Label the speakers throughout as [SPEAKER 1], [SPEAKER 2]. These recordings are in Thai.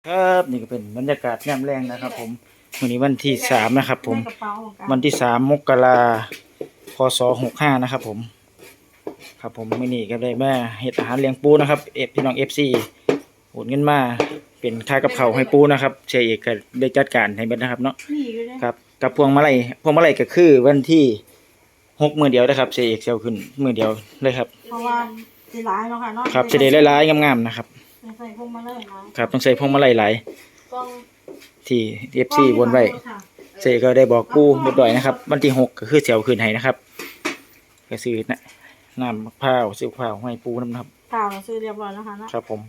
[SPEAKER 1] ครับนี่ก็เป็นบรรยากาศยามแรงนะครับผมวันนี้วันที่3นะครับผมวันที่3 มกราคม พ.ศ. 65นะครับผมครับผมมื้อนี้ก็ได้มาเฮ็ดอาหารเลี้ยงปูนะครับพี่น้อง FC โอนเงินมาเป็นค่ากับข้าวให้ปูนะครับเชยเอกก็ได้จัดการให้เบิดนะครับเนาะครับกับพวงมาลัยก็คือวันที่6มื้อเดียวนะครับเชยเอกสิเอาขึ้นมื้อเดียวเลยครับ
[SPEAKER 2] เพราะว่าสิหลายเนาะค่ะเนาะ
[SPEAKER 1] ครับสิได้หลายๆงามๆนะครับ
[SPEAKER 2] ใส่พวงมาลัยนะครับ
[SPEAKER 1] ต้องใส่พวงมาลัยหลาย
[SPEAKER 2] ต้อง
[SPEAKER 1] ที่ FC วนไว้เสก็ได้บอกปูเรียบร้อยนะครับวันที่6ก็คือเสียวคืนให้นะครับก็ซื้อน้ำมะพร้าวซื้อมะพร้าวให้ปูนะครับ
[SPEAKER 2] ข่าวซื้อเรียบร้อยแล้วค่ะ
[SPEAKER 1] นะครับผม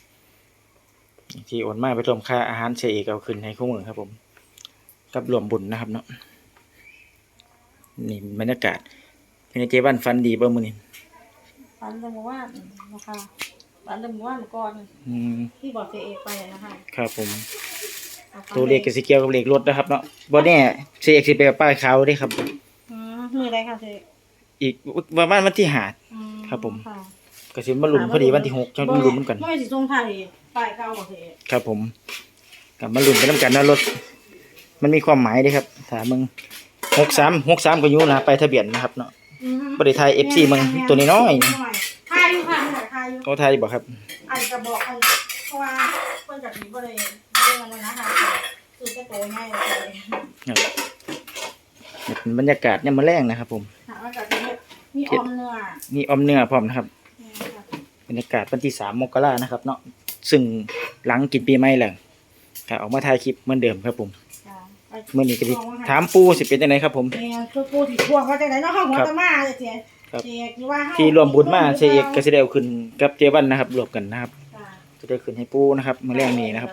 [SPEAKER 1] ที่โอนมาไปรวมค่าอาหารเสกเอาคืนให้คู่มือครับผมกับรวมบุญนะครับเนาะนี่บรรยากาศเป็นเจวันฟันดีบ่มื้อนี้
[SPEAKER 2] ฝันเรื่องว่านะคะฝันเรื่องว่าเมื่อก่อนที่บอกเจเอไปนะคะ
[SPEAKER 1] ครับผมตัวเลขก็สิเกี่ยวกับเลขรถนะครับเนาะบ่แน่เสกสิไปป้ายขาวเด้ครับ
[SPEAKER 2] มื้อใดค่ะเจ
[SPEAKER 1] อีกประมาณวันที่5ครับผมก็สิมาลุ้นพอดีวันที่6จังลุ้นนำกัน
[SPEAKER 2] บ่สิส่งไทยป้ายเก่าบ่เจ
[SPEAKER 1] ครับผมกลับมาลุ้นไปนำกันนะรถมันมีความหมายเด้ครับถ้ามึง63ก็อยู่นะไปทะเบียนนะครับเนาะบ่ได้ถ่าย FC มึงตัวน้อย
[SPEAKER 2] ๆถ่ายอยู่ค่ะถ่ายอยู่
[SPEAKER 1] เขาถ่ายบ่ครับ
[SPEAKER 2] อาจจะบอกเพราะว่าเพิ่นจะมีบ่ได้เรื่องนั้นนะคะคือจะโตง่ายเลย
[SPEAKER 1] เป็นบรรยากาศยามมื้อแลงนะครับผม
[SPEAKER 2] มีออมเ
[SPEAKER 1] นื้อพร้อมนะครับบรรยากาศวันที่3 มกรานะครับเนาะซึ่งหลังกินปีใหม่แล้วก็ออกมาถ่ายคลิปเหมือนเดิมครับผมมื้อนี้ก็สิถามปูสิเป็นจังไดครับผม
[SPEAKER 2] คือปูสิทวงว่าจังได๋เนาะเฮาหัวตะมาเสีย
[SPEAKER 1] ที่รวมบุญมาเสียเอกก็สิได้เอาขึ้นกับเจวันนะครับรวมกันนะครับจะได้ขึ้นให้ปูนะครับมื้อแลงนี้นะครับ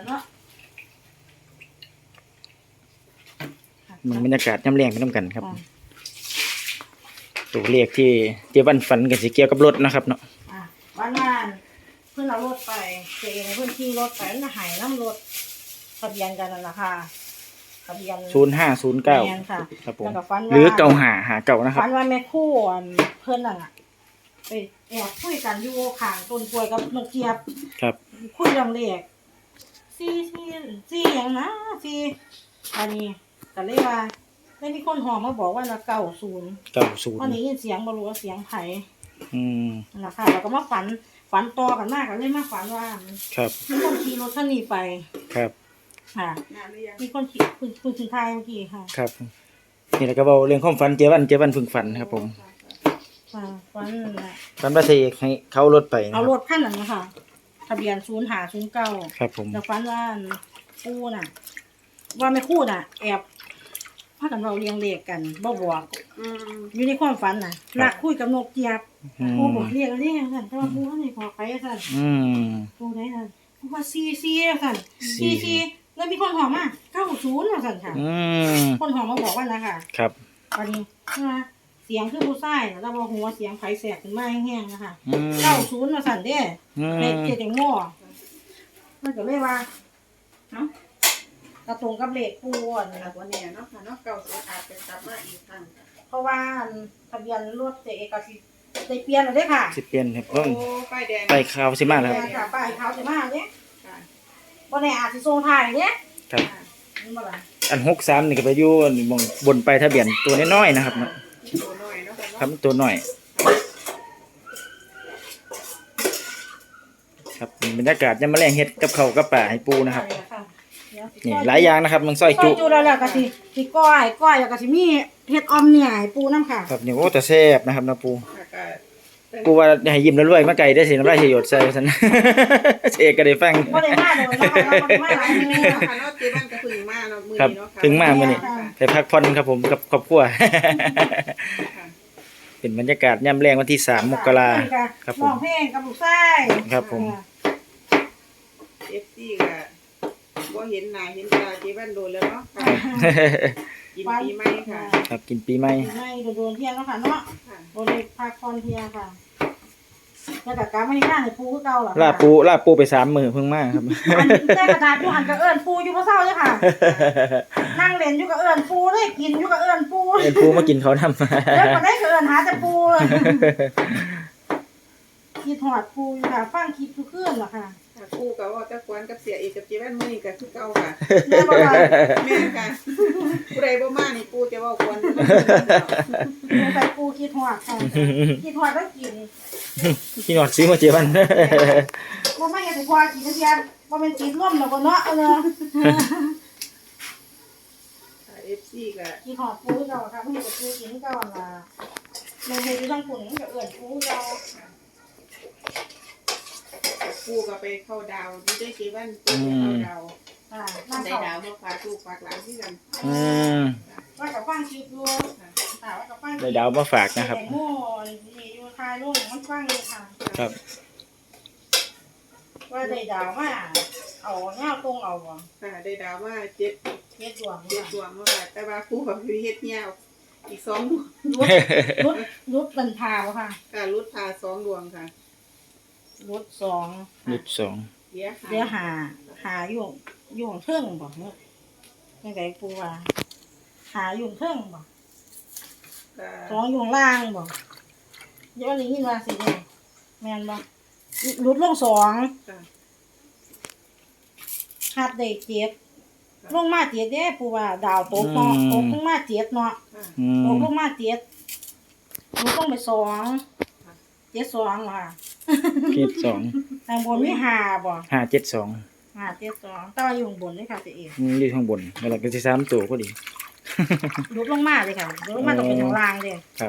[SPEAKER 1] มันบรรยากาศยามแลงไปนำกันครับตัวเลขที่เจวันฝันก็สิเกี่ยวกับรถนะครับเนาะ
[SPEAKER 2] วันเพิ่นเอารถไปเจ๊เพิ่นขี่รถไปมันหายน้ำรถทะเบียนกันนั่นล่ะค่ะทะเบียน
[SPEAKER 1] 0509ครับผมหรือ9559นะครับ
[SPEAKER 2] ฝันว่าแม่ครูเพิ่นนั่นน่ะไปแอบคุยกันอยู่ข้างต้นกล้วยกับนกเจี๊ยบ
[SPEAKER 1] ครับ
[SPEAKER 2] คุยเรื่องเลข4หยังนะ4อันนี้ก็เลยว่าได้มีคนห้องมาบอกว่า90วันนี้ยินเสียงบ่รู้ว่าเสียงไผนั่นล่ะค่ะแล้วก็มาฝันต่อกันมากก็เลยมาฝันว่า
[SPEAKER 1] ครับ
[SPEAKER 2] มีคนขี่รถคันนี้ไป
[SPEAKER 1] ครับ
[SPEAKER 2] ค่ะมีคนขี่คุณถึงทายเมื่อกี้ค่ะ
[SPEAKER 1] ครับนี่แหละก็เว้าเรื่องความฝันเจวันเพิ่งฝันครับผมฝันว่าเสกให้เขารถไป
[SPEAKER 2] เอารถคันนั้นนะคะทะเบียน0509
[SPEAKER 1] ครับผม
[SPEAKER 2] แล้วฝันว่าปู่น่ะว่าแม่ครูน่ะแอบพากันเว้าเรียงเลขกันบ่บอกอยู่ในความฝันน่ะลักคุยกับนกเจี๊ยบโอ้บอกเรียกซั่นแต่ว่าปู่ให้บอกไปซั่นปู่ได้ซั่นปู่ว่า44ซั่น44แล้วมีคนห้องมา90ว่าซั่นค่ะคนห้องมาบอกว่านะคะ
[SPEAKER 1] ครับ
[SPEAKER 2] วันนี้เสียงคือผู้ชายแล้วบ่ฮู้ว่าเสียงไผแสกขึ้นมาแห้งๆนะคะ90ว่าซั่นเด้เฮ็ดเจ็ดจังง้อมันก็เลยว่าเนาะกระตรงกับเลขปู
[SPEAKER 3] นะวันนี้เนาะค่ะเนาะ90อาจจะกลับมาอีกครั้ง
[SPEAKER 2] เพราะว่าทะเบียนรถเอกสิได้เปลี่ยนแล้วเด้ค่ะ
[SPEAKER 1] สิเปลี่ยนครับเพิ่ง
[SPEAKER 3] ป้ายแดง
[SPEAKER 1] ป้ายขาวสิมาแล้ว
[SPEAKER 2] ค่ะป้ายขาวสิมาเด้ค่ะบ่แน่อาจสิส่งท้ายเด้
[SPEAKER 1] ครับอัน63นี่ก็ไปอยู่มองบนป้ายทะเบียนตัวน้อยๆนะครับเนาะ
[SPEAKER 3] ตัวน้อยเนาะ
[SPEAKER 1] ครับตัวน้อยครับบรรยากาศยามมื้อแลงเฮ็ดกับข้าวกับปลาให้ปูนะครับนี่หลายอย่างนะครับมันซอยจุ
[SPEAKER 2] แล้วก็สิก้อยแล้วก็สิมีเฮ็ดออมเนื้อให้ปูนำค่ะ
[SPEAKER 1] ครับนี่โอ้แต่แซ่บนะครับนะปูว่าให้ยิ้มแล้วรวยมาไกลได้สิน้ำลายสิหยดใส่ซั่นเอกก็ได้ฟัง
[SPEAKER 2] บ่ได้มาเลยนะคะบ่ได้มาหลายมื้อเนาะ
[SPEAKER 3] ค่ะเนาะเจ๊บ้านก็ถึงมาเนาะมื้อ
[SPEAKER 1] นี้เนาะค่ะถึงมามื้อนี้ไปพักผ่อนครับผมกับครอบครัวเป็นบรรยากาศยามแลงวันที่3 มกราคมครับผม
[SPEAKER 2] ร้องเพลงกับลูกชาย
[SPEAKER 1] ครับผม
[SPEAKER 3] FC ก็บ่เห็นหน้าเห็นตาเจ๊บ้านโดนแล้วเนาะค่ะกินปีใหม่ค่ะ
[SPEAKER 1] ครับกินปีใหม่
[SPEAKER 2] โดนเที่ยงแล้วค่ะเนาะบ่ได้พักผ่อนเที่ยงค่ะแล้วก็กลับมาที่บ้านให้ปูคือเก่าล่ะ
[SPEAKER 1] ลาปูไป3 มื้อเพิ่งมาครับ
[SPEAKER 2] อันแต่กระดาษอยู่หันก็เอิ้นปูอยู่บ่เซาเด้อค่ะนั่งเล่นอยู่ก็เอิ้นปูเลยกินอยู่ก็เอิ้นปู
[SPEAKER 1] มากินเขานำ
[SPEAKER 2] แล้วบ่ได้ก็เอิ้นหาแต่ปูคิดฮอดปูอยู่ค่ะฟังคลิปทุกคืนล่ะค่ะ
[SPEAKER 3] ปูกับว่าตะกวนกับเสียเอกกับเจแว่นมื้อนี้ก็คือเก่าค่ะ
[SPEAKER 2] แม่บ่ว่า
[SPEAKER 3] แม่นค่ะผู้ใดบ่มานี่ปูจะเว้าควร
[SPEAKER 2] ไปปูคิดฮอดค่ะคิดฮอดแล้วกิน
[SPEAKER 1] พี่นอดซื้อมาเจวัน
[SPEAKER 2] บ่มาเฮ็ดให้พอกินจังซี่บ่แม่นกินร่วมแล้วก็เนาะเนาะ
[SPEAKER 3] FC ก็
[SPEAKER 2] คิดฮอดปูเจ้าค่ะบ่เฮ็ดให้ปูกินเก่าล่ะแม่เฮ็ดอยู่ทางปุ่นก็เอิ้นปูเจ้า
[SPEAKER 3] ปูก็ไปเข้าดาวอยู่ด้วยเจแว่นปูไปเข้าดาว
[SPEAKER 2] อ่า
[SPEAKER 3] ได้
[SPEAKER 2] น้ำ
[SPEAKER 3] ดา
[SPEAKER 2] เขา
[SPEAKER 3] วมาฝากลูกฝากหลานที่กัน
[SPEAKER 1] อืม
[SPEAKER 2] ว่ากับฟังคิดอยู่ค่ะว่ากับฟัง
[SPEAKER 1] ได้ดาวมาฝากนะครับ
[SPEAKER 2] แต่โม่นี่อยู่คายลูกมันฟังอยู่ค่ะ
[SPEAKER 1] ครับ
[SPEAKER 2] ว่าได้ดาวมาเอาเงาตรงเอาบ่
[SPEAKER 3] ค่ะได้ดาวมาเจ็ด
[SPEAKER 2] เฮ็ดดวง
[SPEAKER 3] เจ็ดดวงมาค่ะแต่ว่าปูกับพี่เฮ็ดยาวอีก2ดวง
[SPEAKER 2] รุดบรรพาบ่ค่ะ
[SPEAKER 3] ค่ะรุดพา2ดวงค่ะ
[SPEAKER 2] รุดสอง
[SPEAKER 1] ยุดสอง
[SPEAKER 3] เดี๋ยว
[SPEAKER 2] เดี๋ยวหาอยู่เทิงบ่เนาะจังไดปูว่าหาอยู่เทิงบ่สองอยู่ล่างบ่เดี๋ยวนี้ยินว่าสิเนี่ยแม่นบ่รุดลงสอง
[SPEAKER 3] ค่ะ
[SPEAKER 2] หัดได้เจ็ดลงมาเจ็ดเด้ปูว่าดาวตกเนาะตกลงมาเจ็ดเนาะ
[SPEAKER 3] ค่ะ
[SPEAKER 1] อื
[SPEAKER 2] ตก
[SPEAKER 1] ม
[SPEAKER 2] ลงมาเจ็ดลงต้องไปสองเจ็ดสองค่ะ
[SPEAKER 1] เจ็ดสอง
[SPEAKER 2] ทางบนมีหาบ่
[SPEAKER 1] 572
[SPEAKER 2] หาเจ็ดสองแต่ว่าอยู่ข้างบนนี่ค่ะเจ๊เอก
[SPEAKER 1] อยู่ข้างบนแล้วก็สิ3ตัวก็ดี
[SPEAKER 2] ลุกลงมาเลยค่ะลุกลงมาต้องเป็นทางล่างเลย
[SPEAKER 1] ครับ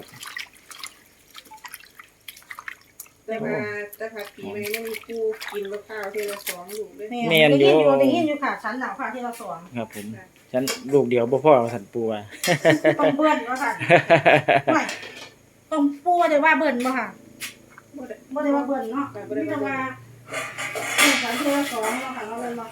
[SPEAKER 3] แต่ว่าปีใหม่ไม่มีปูกินมะพร้าวเทละ2ลูกเลย
[SPEAKER 1] แม่นอยู่
[SPEAKER 2] ได้ยินอยู่ค่ะชั้นหนาวค่ะที่เราสอง
[SPEAKER 1] ครับผมฉันลูกเดียวบ่พอสันปูว่า
[SPEAKER 2] ต้องเบิ้ลว่าค่ะไม่ต้องปูว่าได้ว่าเบิ้ลบ่ค่ะ
[SPEAKER 3] บ่ได้
[SPEAKER 2] บ่ได้ว่าเบิ้ลเนาะมีแต่ว่าชั้นที่เราสองเนาะค่ะเราเลยเนาะ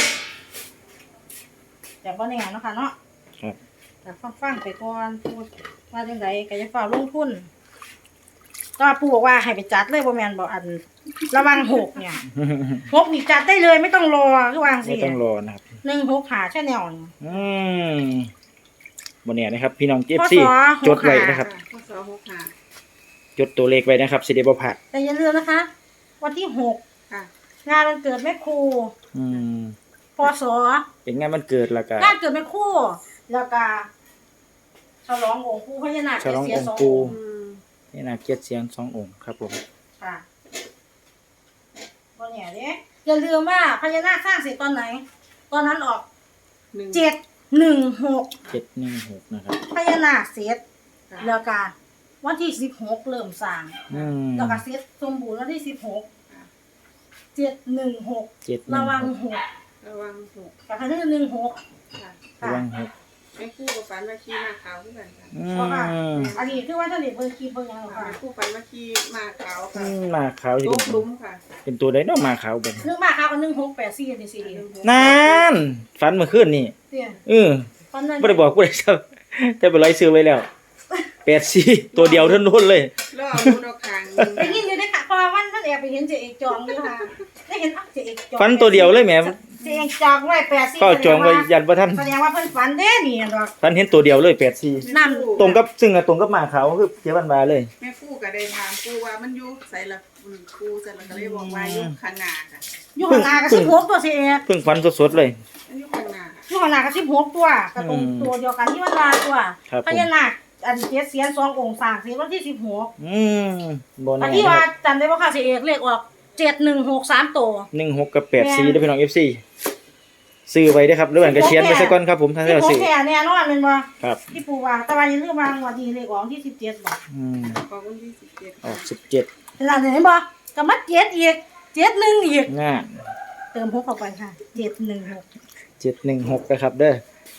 [SPEAKER 2] แต่บ่แน่เนาะค่ะเนาะ
[SPEAKER 1] ครับ
[SPEAKER 2] แต่ฟังไปก่อนพูดว่าจังไดก็จะฝ่าลงทุนก็ปู่บอกว่าให้ไปจัดเลยบ่แม่นบ่อันระวัง6เนี่ย6นี่จัดได้เลยไม่ต้องรอคือวาง
[SPEAKER 1] ไม่
[SPEAKER 2] สิ
[SPEAKER 1] ต้องรอนะครับ
[SPEAKER 2] 16หาแช่แนวนี่
[SPEAKER 1] อืมบ่แน่นะครับ พี่น้อง
[SPEAKER 2] พ
[SPEAKER 1] FC
[SPEAKER 2] ศ
[SPEAKER 1] จดไว้นะครับ
[SPEAKER 3] ข้อสอบ65
[SPEAKER 1] จดตัวเลขไว้นะครับสิได้บ่พลาด
[SPEAKER 2] แต่อย่าลืมนะคะ วันที่6
[SPEAKER 3] ค่ะ
[SPEAKER 2] งานวันเกิดแม่ครู
[SPEAKER 1] อืม
[SPEAKER 2] พศ
[SPEAKER 1] เป็นงานวันเกิดแล้วก็
[SPEAKER 2] งานเกิดแม่ครูแล้วก็ฉลององค์ปู่พญานาค
[SPEAKER 1] ฉลอง
[SPEAKER 2] เสีย
[SPEAKER 1] องค์
[SPEAKER 2] สอง
[SPEAKER 1] ปู่
[SPEAKER 2] ค์
[SPEAKER 1] นี่นะเกียรติเสียง2องค์ครับผม
[SPEAKER 2] ค่ะบ่แน่เด้อย่าลืมว่าพญานาคสร้างเสร็จตอนไหน ตอนนั้นออก 716
[SPEAKER 1] 716นะครับ
[SPEAKER 2] พญานาคเสร็จแล้วก็วันที่16เริ่มสร้าง
[SPEAKER 1] อืม
[SPEAKER 2] แล้วก็เสร็จสมบูรณ์วันที่16 716ระวัง6
[SPEAKER 3] ระวังหก
[SPEAKER 2] กับคันที่16
[SPEAKER 3] ค่ะ
[SPEAKER 1] ระวังหก
[SPEAKER 3] แม่คู่กับฝันมาขี่มาขาวคือกันค่ะ
[SPEAKER 1] อืม
[SPEAKER 2] อันนี้คือว่าท่านได้เบิ่งคลิปเบิ่งหยังหรอ
[SPEAKER 3] แม่
[SPEAKER 2] ค่ะ
[SPEAKER 3] คู่ฝันมาขี่มาขาว
[SPEAKER 1] อื
[SPEAKER 3] ค่ะ
[SPEAKER 1] มมาขาวสิ
[SPEAKER 3] ตกหลุมค่ะ
[SPEAKER 1] เป็นตัวใดเนาะมาขาวเบิ่ง
[SPEAKER 2] นึกมาค่ะก็1684จังซี่
[SPEAKER 1] นั่นฝันเมื่อคืนนี่
[SPEAKER 2] เตี้ย ตอนนั้น
[SPEAKER 1] บ่ได้บอกผู้ใดซับแต่เป็นไรซื้อไว้แล้ว84ตัวเดียวเท่านั้นเลย
[SPEAKER 3] ล่อมูดอกคาง
[SPEAKER 2] ได้ยินอยู่เด้ค่ะเพราะว่าวันท่านแอบไปเห็นเจเอกจองอยู่ค่ะได้เห็นเจเอกจอง
[SPEAKER 1] ฝันตัวเดียวเลยแหม
[SPEAKER 2] เจเอกจองไว้84
[SPEAKER 1] ก็จองไว้ยันบ่ทัน
[SPEAKER 2] แสดงว่าเพิ่นฝันเด้นี่ดอก
[SPEAKER 1] ฝันเห็นตัวเดียวเลย84
[SPEAKER 2] น้ำ
[SPEAKER 1] ตรงกับซึ่งอะตรงกับมาขาวคือเจ๊บันบาเลย
[SPEAKER 3] แม่คู่ก็ได้ถามคู่ว่ามันอยู่ใส่ละคู่ใส่ละก็เลยบอกว่าอยู่ข้างหน้าค่ะ
[SPEAKER 2] อยู่ข้างหน้าก็16ตัวเจเอก
[SPEAKER 1] เพิ่งฝันสดๆเลย
[SPEAKER 3] มันอยู่ข้างหน้า
[SPEAKER 2] อยู่ข้างหน้าก็16ตัวก็ตรงตัวเดียวกันที่มันลาตัว
[SPEAKER 1] ครับผม
[SPEAKER 2] พญานาคอันเจ็ดเสียน2องค์สร้างเสียนวันที่16
[SPEAKER 1] อืมบ่
[SPEAKER 2] อั
[SPEAKER 1] แน่
[SPEAKER 2] นที่ว่าจำได้บ่ค่ะเจเอกเลขออก716 3ตัว
[SPEAKER 1] 16กับ84เด้อพี่น้อง FC ซื้อไว้เด้อครับหรือว่าก็เขียนไว้ซะก่อนครับผมถ้าจะซื้อ
[SPEAKER 2] 16แท้แน่นอนแม่นบ่
[SPEAKER 1] ครับ
[SPEAKER 2] ที่ปู่ว่าแต่ว่าอย่าลืมว่างวดนี้เลขออกที่17บ่
[SPEAKER 1] อืม
[SPEAKER 3] ของวันที่17
[SPEAKER 1] ออก17
[SPEAKER 2] เห็นล่ะเห็นบ่ก็มา7อีก71อีก
[SPEAKER 1] ง่า
[SPEAKER 2] เติม6เข้าไปค่ะ716
[SPEAKER 1] 716นะครับเด้อ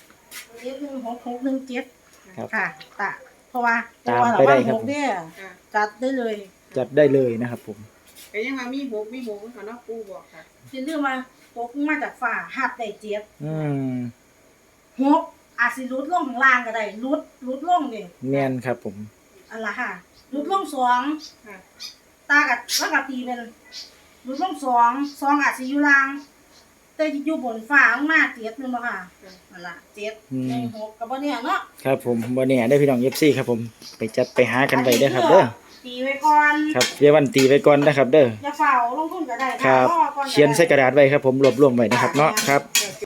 [SPEAKER 2] 716
[SPEAKER 1] ครับ
[SPEAKER 2] 617ค่ะตะเพราะว่า
[SPEAKER 1] ตามไปได้ครับ
[SPEAKER 2] 6เนี่ย
[SPEAKER 3] ค่ะ
[SPEAKER 2] จัดได้เลย
[SPEAKER 1] จัดได้เลยนะครับผม
[SPEAKER 3] ก็ยังว่ามีหกเขาเนาะคู่บอกค่ะ
[SPEAKER 2] อย่าลืมว่าตกมาจากฝ่าหับได้7
[SPEAKER 1] อืม
[SPEAKER 2] 6อาจสิหลุดลงข้างล่างก็ได้หลุดลงนี่
[SPEAKER 1] แม่นครับผม
[SPEAKER 2] อันละค่ะหลุดลง2
[SPEAKER 3] ค่ะ
[SPEAKER 2] ตากับแล้วก็ตีเป็นหลุดลง2อาจสิอยู่ล่างแต่อยู่บนฟ้าลงมา7นึงบ่ค่ะนั่นล่ะ7ใน6ก็บ่เนี่ยเนาะ
[SPEAKER 1] ครับผมบ่แน่ได้อพี่น้อง FC ครับผมไปจัดไปหากันไว้เด้อครับเด้อ
[SPEAKER 2] ตีไว้ก่อน
[SPEAKER 1] ครับเดี๋ยววันตีไปก่อนนะครับ เด้อ
[SPEAKER 2] อย่าเฝ้าลงทุนก็ได้
[SPEAKER 1] ครับ
[SPEAKER 2] อก่อ
[SPEAKER 1] เขียนใส่กระดาษไว้ครับผมรวบรวมไว้นะครับเนาะครับ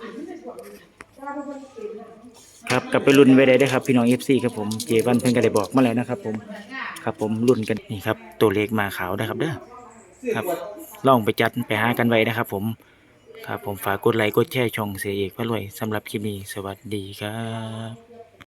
[SPEAKER 1] ครับกลับไปลุ้นไว้ได้เด้อครับพี่น้อง FC ครับผมเจวันเพิ่นก็ได้บอกมาแล้วนะครับผมครับผมลุ้นกันนี่ครับตัวเลขมาขาวนะครับเด้อครับลองไปจัดไปหากันไว้นะครับผมครับผมฝากกดไลค์กดแชร์ช่องเสียเอกพระรวยสำหรับคลิปนี้สวัสดีครับ